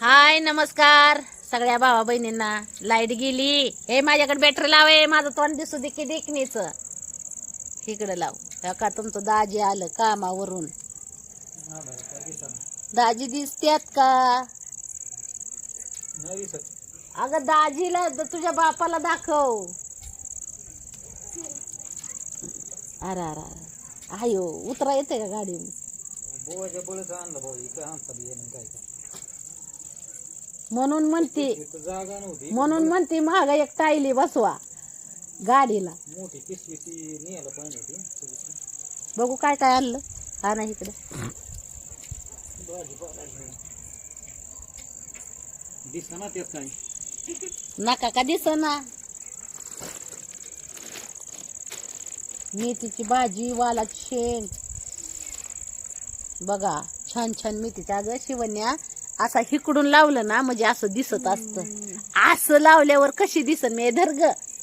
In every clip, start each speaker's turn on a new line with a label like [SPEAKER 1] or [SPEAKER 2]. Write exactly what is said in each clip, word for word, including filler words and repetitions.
[SPEAKER 1] हाय नमस्कार सगळ्या भावा बहिणींना. लाईट गेली. हे माझ्याकडे बॅटरी लावे. माझं तोंड दिसू दे की देखणीच. इकडे लाव. का तुमचं दाजी आलं कामावरून. दाजी दिसत्यात का? अगं दाजीला तुझ्या बापाला दाखव. अरे अरे आयो उतरा येते का गाडी? म्हणून म्हणते म्हणून म्हणते महाग एक टायली बसवा गाडीला.
[SPEAKER 2] मोठी पिशवी ती न्यायला पाहिजे.
[SPEAKER 1] बघू काय काय आणलं. हा ना इकडे
[SPEAKER 2] दिसना त्यात काय
[SPEAKER 1] नका का दिसना. मेथीची भाजी वालाची शेंग बघा छान छान मेथीची. अगं शिवण्या असा हिकडून लावलं ना म्हणजे असं दिसत असत. असं लावल्यावर कशी दिसन मी धरग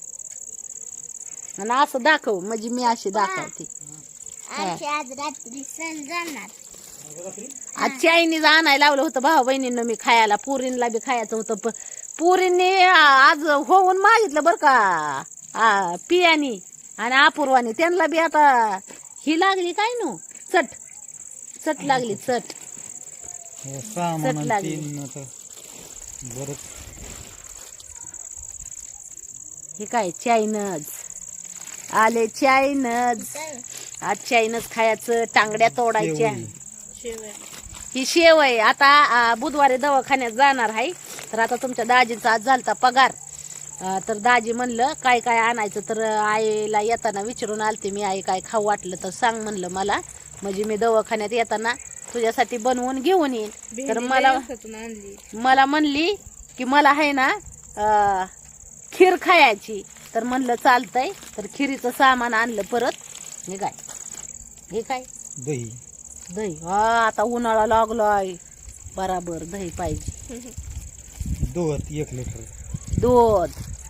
[SPEAKER 1] आणि असं दाखव म्हणजे मी अशी दाखवते.
[SPEAKER 3] आज रात्री सण जाणार.
[SPEAKER 1] आज चायनीज आणायला लावलं होतं भाऊ बहिणींना मी खायला. पुरींना बी खायचं होतं. पुरींनी आज होऊन मागितलं बर का पियानी आणि अपूर्वानी. त्यांना बी आता ही लागली काय नो चट चट लागली चट चट लागली. हे काय चायनज आले. चायनज आज चायनज खायचं. टांगड्या तोडायच्या. ही शेव आहे. आता बुधवारी दवाखान्यात जाणार आहे. तर आता तुमच्या दाजीचा आज झालता पगार. तर दाजी म्हणलं काय काय आणायचं. तर आईला येताना विचारून आलते मी. आई काय खाऊ वाटलं तर सांग म्हणलं मला. म्हणजे मी दवाखान्यात येताना तुझ्यासाठी बनवून घेऊन येईन. तर मला मला म्हणली की मला आहे ना खीर खायची. तर म्हणलं चालतंय. तर खिरीचं सामान आणलं परत. हे काय हे काय
[SPEAKER 2] दही
[SPEAKER 1] दही. हा आता उन्हाळा लागलाय बराबर दही पाहिजे.
[SPEAKER 2] दूध एक लिटर
[SPEAKER 1] दूध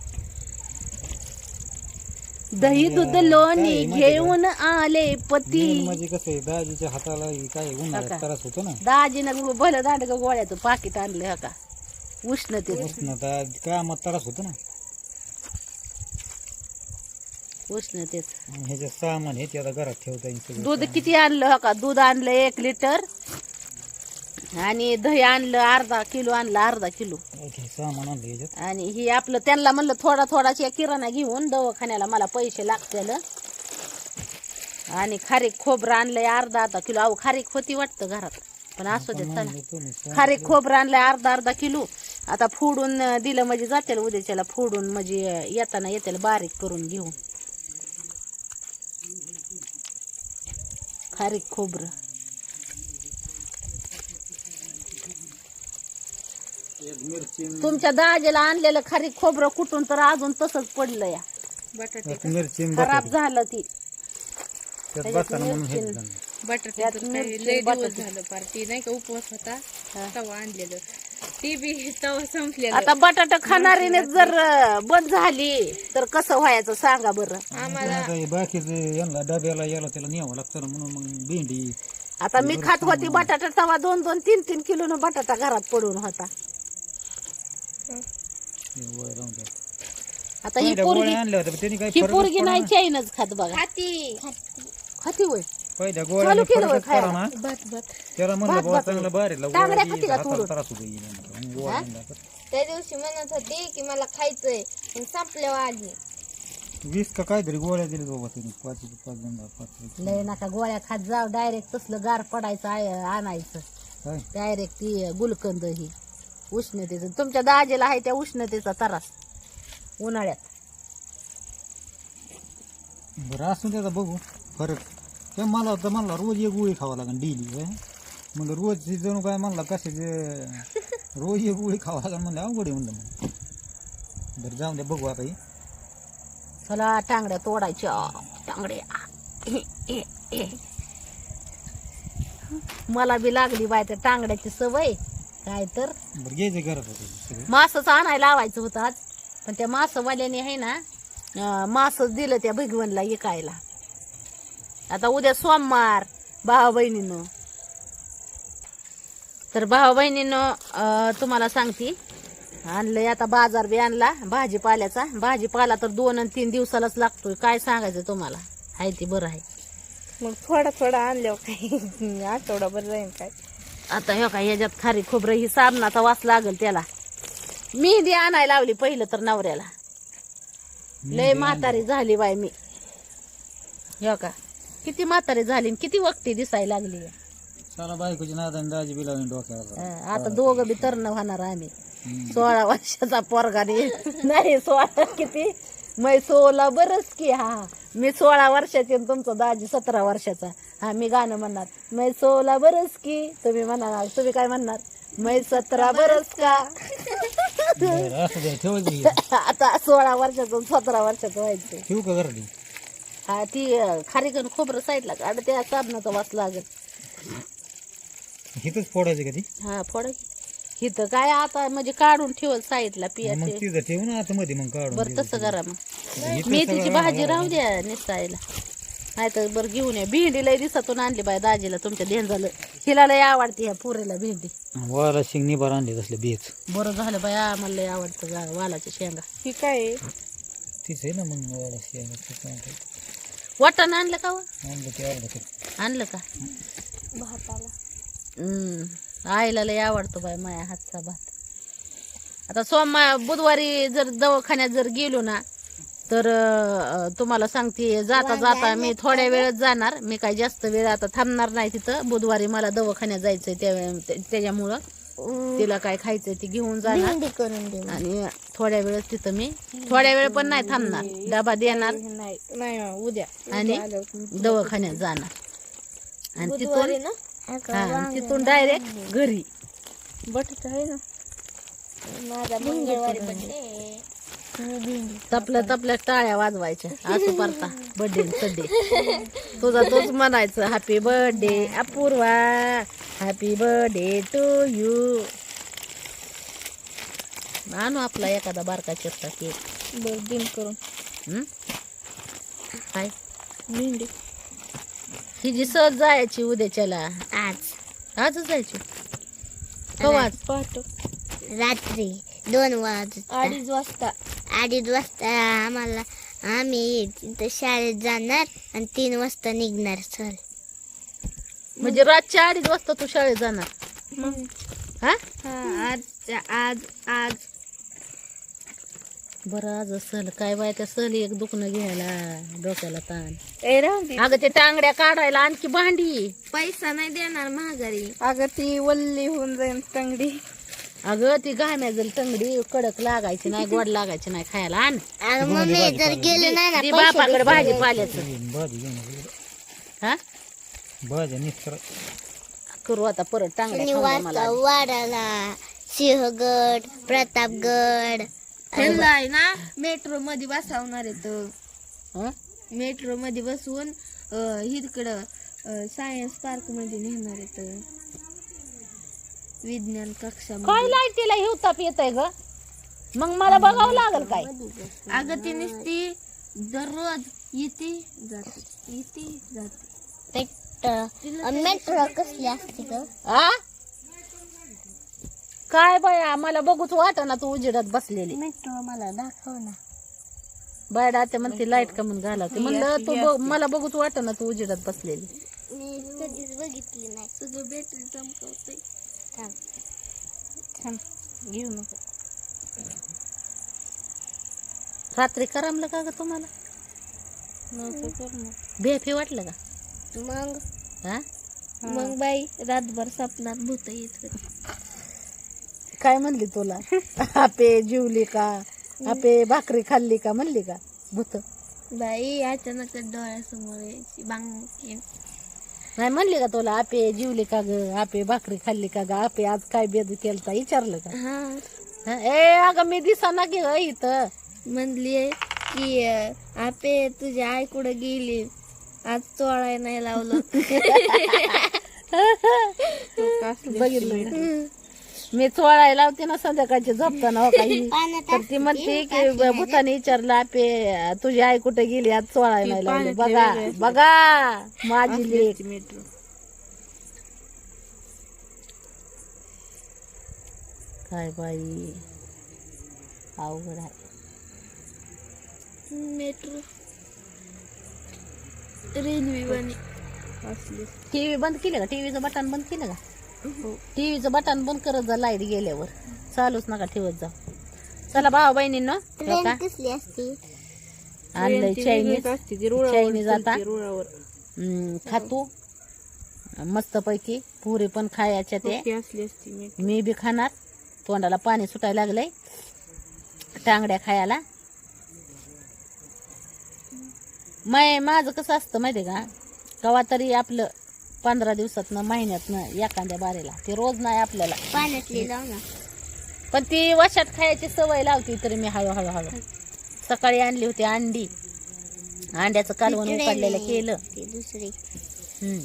[SPEAKER 1] दही दूध लोणी घेऊन आले पती.
[SPEAKER 2] म्हणजे कसं आहे दाजीच्या हाताला काय उन्हाळ्यात त्रास होतो ना.
[SPEAKER 1] दाजीनं भलं दांडग गोळ्याचं पाकिट आणलं हा का उष्णते
[SPEAKER 2] उष्णता कामात त्रास होतो ना.
[SPEAKER 1] उष्णतेच
[SPEAKER 2] ह्याचे सामान हे ते आता घरात ठेवता येईल.
[SPEAKER 1] दूध किती आणलं हो का? दूध आणलं एक लिटर आणि दही आणलं अर्धा किलो आणलं अर्धा किलो
[SPEAKER 2] सामान आणलं ह्याच्यात.
[SPEAKER 1] आणि ही आपलं त्यांना म्हणलं थोडा थोडाच्या किराणा घेऊन दवाखान्याला मला पैसे लागतील. आणि खारीक खोबरं आणलंय अर्धा अर्धा किलो. अहो खारीक होती वाटतं घरात पण असू दे चला. खारीक खोबरं आणलंय अर्धा अर्धा किलो. आता फोडून दिलं म्हणजे जातील उद्याच्याला. फोडून म्हणजे येताना येतील बारीक करून घेऊन. खारीक खोबरं तुमच्या दाजीला आणलेलं खारीक खोबरं कुठून तर अजून तसंच पडलं या.
[SPEAKER 2] मिरची
[SPEAKER 1] खराब झालं ती.
[SPEAKER 3] बटाट्यात लय दिवस झालं पार्टी नाही का उपवास होता तवा आणलेलं. ती बी तवा संपलेलं.
[SPEAKER 1] आता बटाटा खाणारीने जर बंद झाली तर कसं व्हायचं सांगा बरं.
[SPEAKER 3] आम्हाला
[SPEAKER 2] बाकीचे यांना डब्याला याला त्याला न्यावं लागतं म्हणून मग भेंडी.
[SPEAKER 1] आता मी खात होती बटाटा तवा दोन दोन तीन तीन किलो न बटाटा घरात पडून होता. आता ही पोरगी ही पोरगी नाही चायनच खात बघा.
[SPEAKER 3] खाती
[SPEAKER 1] खाती होय.
[SPEAKER 2] पहिल्या
[SPEAKER 1] चालू केलं होय
[SPEAKER 2] गोळ्या
[SPEAKER 1] खायला.
[SPEAKER 2] ना
[SPEAKER 3] भात भात
[SPEAKER 2] त्याला म्हणलं
[SPEAKER 1] भात
[SPEAKER 2] बाबा
[SPEAKER 1] भात
[SPEAKER 2] चांगलं बाहेर
[SPEAKER 1] टांगड्या खाती का तोडून?
[SPEAKER 2] त्रास होतो.
[SPEAKER 3] त्या दिवशी म्हणत होती की मला खायचंय पण संपल्यावर आली.
[SPEAKER 2] वीस का काहीतरी गोळ्या दिली बाबा तुम्ही. पाच पाच जण पाच
[SPEAKER 1] लय नका गोळ्या खात जाव. डायरेक्ट तसलं गार पडायचं आय- आणायचं
[SPEAKER 2] काय
[SPEAKER 1] डायरेक्ट ती गुलकंद ही उष्णतेचं. तुमच्या दाजीला आहे त्या उष्णतेचा त्रास उन्हाळ्यात.
[SPEAKER 2] बरं असून त्याचा बघू फरक. ते मला तर म्हणला रोज एक गोळी खावा लागेल डेली. म्हणलं रोज जणू काय म्हणला कशाचे रोज एक गोळी खावा लागेल म्हणलं अवघड आहे म्हणलं. मग बरं जाऊन द्या बघू आता.
[SPEAKER 1] चला टांगड्या तोडायच्या. टांगड्या मला बी लागली बाय त्या टांगड्याची सवय. काय तर
[SPEAKER 2] बरं घ्यायचं घरात होतं.
[SPEAKER 1] मासच आणायला लावायचं होतं आज. पण त्या मासवाल्याने आहे ना मासच दिलं त्या भगवनला विकायला. आता उद्या सोमवार भावा बहिणीनं तर भाऊ बहिणीनं तुम्हाला सांगते, आणलंय आता बाजार बी आणला भाजीपाल्याचा. भाजीपाला तर दोन आणि तीन दिवसालाच लागतोय. काय सांगायचं तुम्हाला, आहे ती बरं आहे.
[SPEAKER 3] मग थोडा थोडा आणल्यावर काही आठवडाभर जाईन काय.
[SPEAKER 1] आता हे काय ह्याच्यात खारी खोबरं ही साबणाचा वास लागल त्याला. मेहंदी आणायला लावली पहिलं तर नवऱ्याला. लय म्हातारी झाली बाय मी. हे का किती म्हातारी झाली आणि किती वक्ती दिसायला लागली.
[SPEAKER 2] चला बायकोची नादाने दाजी बी लावून डोक्याला.
[SPEAKER 1] हं, आता दोघं बी तरण होणार आम्ही. सोळा वर्षाचा पोरगा नाही, सोळा किती मै सोळा बरच की. हा मी सोळा वर्षाची आणि तुमचा दाजी सतरा वर्षाचा. हा मी गाणं म्हणणार, मै सोळा बरस की. तुम्ही म्हणणार, तुम्ही काय म्हणणार, मै सतरा बरस का.
[SPEAKER 2] बरं, असं द्या, ठेवायचं की.
[SPEAKER 1] आता सोळा वर्षाचं आणि सतरा वर्षाचं व्हायचं.
[SPEAKER 2] ठेवू का घरात?
[SPEAKER 1] हा ती खारीकन खोबरं साईडला काढ, त्या साबणाचा वास लागेल.
[SPEAKER 2] इथंच फोडायचं का ती?
[SPEAKER 1] हा फोडा की. इथं काय आता म्हणजे काढून ठेवल साईडला
[SPEAKER 2] मग
[SPEAKER 1] पियाचे.
[SPEAKER 2] तिथं ठेवू ना आतमध्ये मग काढून.
[SPEAKER 1] बरं तसं करा मग.
[SPEAKER 2] इथं
[SPEAKER 1] मेथीची
[SPEAKER 2] सगळं
[SPEAKER 1] भाजी राहू द्या निसायला. नाही तर बरं घेऊन या. भेंडी लय दिवसातून आणली बाय दाजीला तुमच्या ध्यान झालं. हिला लय आवडते ह्या पुरेला भेंडी.
[SPEAKER 2] वाला शिंग निभार आणले तसले बेच.
[SPEAKER 1] बरं झालं बाय, आम्हाला लय आवडतं गा वालाच्या शेंगा.
[SPEAKER 3] ही काय आहे?
[SPEAKER 2] तीच आहे ना मग वाला शिंग.
[SPEAKER 1] वाटाणा आणलं का व?
[SPEAKER 2] आणलं ते अर्धा किलो.
[SPEAKER 1] आणलं का?
[SPEAKER 3] भाताला
[SPEAKER 1] हम्म आईला लय आवडतो बाय माया हातचा भात. आता सोमवार बुधवारी जर दवाखान्यात जर गेलो ना तर अं, तुम्हाला सांगते, जाता जाता मी थोड्या वेळच जाणार. मी काही जास्त वेळ आता थांबणार नाही तिथं. बुधवारी मला दवाखान्यात जायचंय त्या त्याच्यामुळं तिला काय खायचंय ते घेऊन जाणार.
[SPEAKER 3] करून दे.
[SPEAKER 1] आणि थोड्या वेळच तिथं मी थोड्या वेळ पण नाही थांबणार. डबा देणार
[SPEAKER 3] नाही नाही उद्या
[SPEAKER 1] आणि दवाखान्यात जाणार. आणि तिथून हा तिथून डायरेक्ट घरी.
[SPEAKER 3] बटाटा आहे ना माझा मंगळवारी बर्थडे.
[SPEAKER 1] तपल्या तपल्या टाळ्या वाजवायच्या असं परता बर्थडे सड्डे. तुझा तोच म्हणायचं, happy birthday Apurva, happy birthday to you. आणू आपला एखादा बारका चिरता केक.
[SPEAKER 3] बर दिन करून
[SPEAKER 1] हम्म काय
[SPEAKER 3] भेंडी
[SPEAKER 1] ही जी सहज जायची उद्याच्याला.
[SPEAKER 4] आज
[SPEAKER 1] आजच जायची कवा? आज
[SPEAKER 3] पाहतो
[SPEAKER 4] रात्री दोन वाज
[SPEAKER 3] अडीच वाजता.
[SPEAKER 4] अडीच वाजता आम्हाला आम्ही तिथं शाळेत जाणार आणि तीन वाजता निघणार सर.
[SPEAKER 1] म्हणजे रातच्या अडीच वाजता तू शाळेत जाणार? हा
[SPEAKER 3] आज आज आज
[SPEAKER 1] बरं आज सहल काय बाय, त्या सहली एक दुखणं घ्यायला डोक्याला ताण.
[SPEAKER 3] ए राहून दे.
[SPEAKER 1] अगं ते टांगड्या काढायला आणखी भांडी.
[SPEAKER 3] पैसा नाही देणार महागारी. अगं ती वल्ली होऊन जाईल टंगडी.
[SPEAKER 1] अगं ती घाम्याजल टंगडी कडक लागायची नाही, गोड लागायची नाही खायला. आण
[SPEAKER 4] अगं मम्मी जर गेलो नाही ना
[SPEAKER 1] ती
[SPEAKER 4] पैसे
[SPEAKER 1] बापाकडे भाजी पाल्याचं.
[SPEAKER 2] भाजी घेऊन
[SPEAKER 1] हा
[SPEAKER 2] भाज्या निस्तर
[SPEAKER 1] करू आता परत टांगड्या खाऊ द्या मला.
[SPEAKER 4] वाजता वाडाला सिंहगड प्रतापगड
[SPEAKER 3] त्यांना आहे ना मेट्रो मध्ये बसवणार आहे तर
[SPEAKER 1] हं?
[SPEAKER 3] मेट्रो मध्ये बसवून इकडं सायन्स पार्क मध्ये नेणार आहे तर विज्ञान कक्षा.
[SPEAKER 1] काय लाईटीला हे ताप येत आहे ग? मग मला बघावं लागल काय?
[SPEAKER 3] अगं ती नुसती दररोज येते जाते येते जाते.
[SPEAKER 4] मेट्रो कसली असते ग?
[SPEAKER 1] आ काय बाया मला बघूच वाटना तू उजेडात बसलेली.
[SPEAKER 4] मेट्रो मला दाखव ना.
[SPEAKER 1] बायडा ते म्हणते लाईट का म्हणून घालावते. म्हणलं तू ब- मला बघूच वाटना तू उजेडात बसलेली.
[SPEAKER 4] मी कधीच बघितली नाही.
[SPEAKER 3] तुझं बॅटरी चमकवते.
[SPEAKER 4] थांब.
[SPEAKER 3] थांब घेऊ नको.
[SPEAKER 1] रात्री करमलं का ग तुम्हाला?
[SPEAKER 3] नको करू नको.
[SPEAKER 1] भेफी वाटलं का?
[SPEAKER 4] मग
[SPEAKER 1] हा
[SPEAKER 3] मग बाई रातभर सपनात भूत येत.
[SPEAKER 1] काय म्हणली तुला? आपे जेवली का? आपे भाकरी खाल्ली का म्हणली का भूत?
[SPEAKER 3] बाई अचानक डोळ्यासमोर यायची बांग.
[SPEAKER 1] नाही म्हणली का तुला आपे जेवली का ग? आपे भाकरी खाल्ली का ग? आपे आज काय बेद केलता विचारलं का?
[SPEAKER 3] हा
[SPEAKER 1] हं? ए अगं मी दिसाना की ग इथं.
[SPEAKER 3] म्हणली की आपे तुझी आई कुठं गेली आज चोळाय नाही लावलं.
[SPEAKER 1] बघितलं मी चोळायला लावते ना संध्याकाळची झोपताना हो काही. तर ती म्हणते की भूताने विचारलं आपे तुझी आई कुठे गेली आज चोळायला नाही लावली. बघा बघा माझी लेक.
[SPEAKER 3] मेट्रो
[SPEAKER 1] काय बाई अवघड आहे.
[SPEAKER 4] मेट्रो रेल्वे वाणी
[SPEAKER 3] असली
[SPEAKER 1] टीव्ही बंद केलं का? टीव्हीचं बटन बंद केलं का? टीव्हीचं बटन बंद करत जा लाईट गेल्यावर, चालूच नका ठेवत जा. चला भाऊ बहिणींनो,
[SPEAKER 4] ट्रेन कसली असते?
[SPEAKER 1] आणलंय चायनीज.
[SPEAKER 3] असते ती
[SPEAKER 1] चायनीज आता
[SPEAKER 3] रुळावर
[SPEAKER 1] हम्म, खातो मस्त पैकी. पुरी पण खायच्या ते,
[SPEAKER 3] ती असली असती मी
[SPEAKER 1] मी बी खाणार. तोंडाला पाणी सुटायला लागलंय टांगड्या खायला. मै माझं कसं असतं माहितीये का, कवा तरी आपलं पंधरा दिवसातनं महिन्यातनं एखाद्या बारेला, ते रोज नाही आपल्याला.
[SPEAKER 4] पाण्यातली लाव ना.
[SPEAKER 1] पण ती वशात खायची सवय लावती तरी मी हळू हळू हळू. सकाळी आणली होती अंडी, अंड्याचं कालवण उकडलेलं केलं.
[SPEAKER 4] ती दुसरी
[SPEAKER 1] हम्म,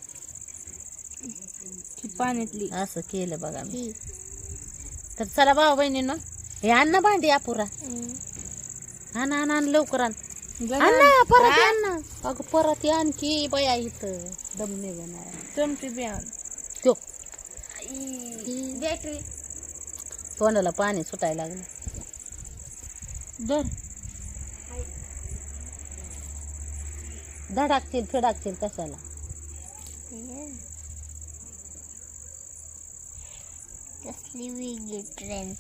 [SPEAKER 3] ती पाण्यातली.
[SPEAKER 1] असं केलं बघा मी.
[SPEAKER 4] ही.
[SPEAKER 1] तर चला भाऊ बहिणींनो, हे अन्न भांडी अपुरा. आण आण आण लवकर आण. अण्णा परत ये अण्णा. अगं परत ये आणखी बया इथं दम निघणार.
[SPEAKER 3] चमची बियाण
[SPEAKER 1] त्यो
[SPEAKER 4] बॅटरी
[SPEAKER 1] तोंडाला पाणी सुटायला लागलं.
[SPEAKER 3] दर
[SPEAKER 1] धडाकतील फिडाकतील कशाला.
[SPEAKER 4] कसली वेगळी ट्रेन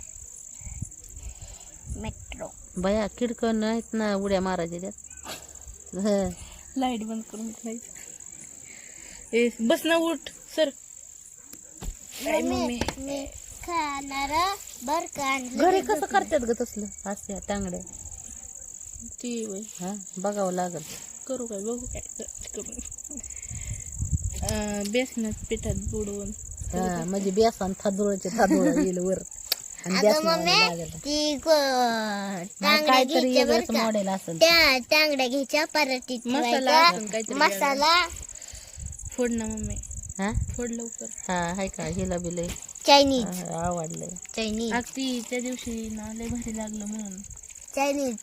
[SPEAKER 4] मेट्रो.
[SPEAKER 1] बया किडकं नाहीत ना उड्या मारायच्या त्यात. हं.
[SPEAKER 3] लाईट बंद करून खायचं. ए बस ना, उठ सर. काय मम्मी
[SPEAKER 4] मी खाणार बर का.
[SPEAKER 1] घरी कसं करतात ग तसलं असत्या टांगड्या?
[SPEAKER 3] ती वय
[SPEAKER 1] हा बघावं लागल.
[SPEAKER 3] करू काय बघू काय करून. बेसनात पिठात बुडवून
[SPEAKER 1] हा म्हणजे बेसन थादुळचे थादुळ येईल वर आणि
[SPEAKER 4] अगं
[SPEAKER 1] बेसनाला
[SPEAKER 4] मम्मी
[SPEAKER 1] लागल.
[SPEAKER 4] ती टांगड्या
[SPEAKER 1] काहीतरी
[SPEAKER 4] घ्यायच्या
[SPEAKER 1] वेगळंच
[SPEAKER 4] बरं का.
[SPEAKER 1] मॉडेल असेल.
[SPEAKER 4] त्या टांगड्या घ्यायच्या पराठीत
[SPEAKER 3] मसाला
[SPEAKER 4] ठेवायचा.
[SPEAKER 3] असेल काहीतरी
[SPEAKER 4] मसाला
[SPEAKER 3] फोड ना मम्मी,
[SPEAKER 1] हा
[SPEAKER 3] फोड लवकर.
[SPEAKER 1] हा हाय का हिला बी लय
[SPEAKER 4] चायनीज
[SPEAKER 1] हा, आवडलंय.
[SPEAKER 4] चायनीज
[SPEAKER 3] अगदी त्या दिवशी ना लय भारी लागलं म्हणून.
[SPEAKER 4] चायनीज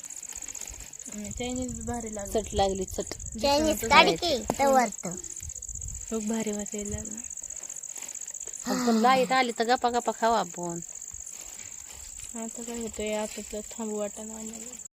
[SPEAKER 3] चायनीज भारी लागलं.
[SPEAKER 1] चट लागली चट.
[SPEAKER 4] चायनीज काढ की तवर
[SPEAKER 3] खूप भारी वाचायला लागलं.
[SPEAKER 1] पण लाईट आली तर गप्पा गप्पा खावा आपण.
[SPEAKER 3] आता काय होतंय, आता तर थांबू वाटाणा आम्हाला.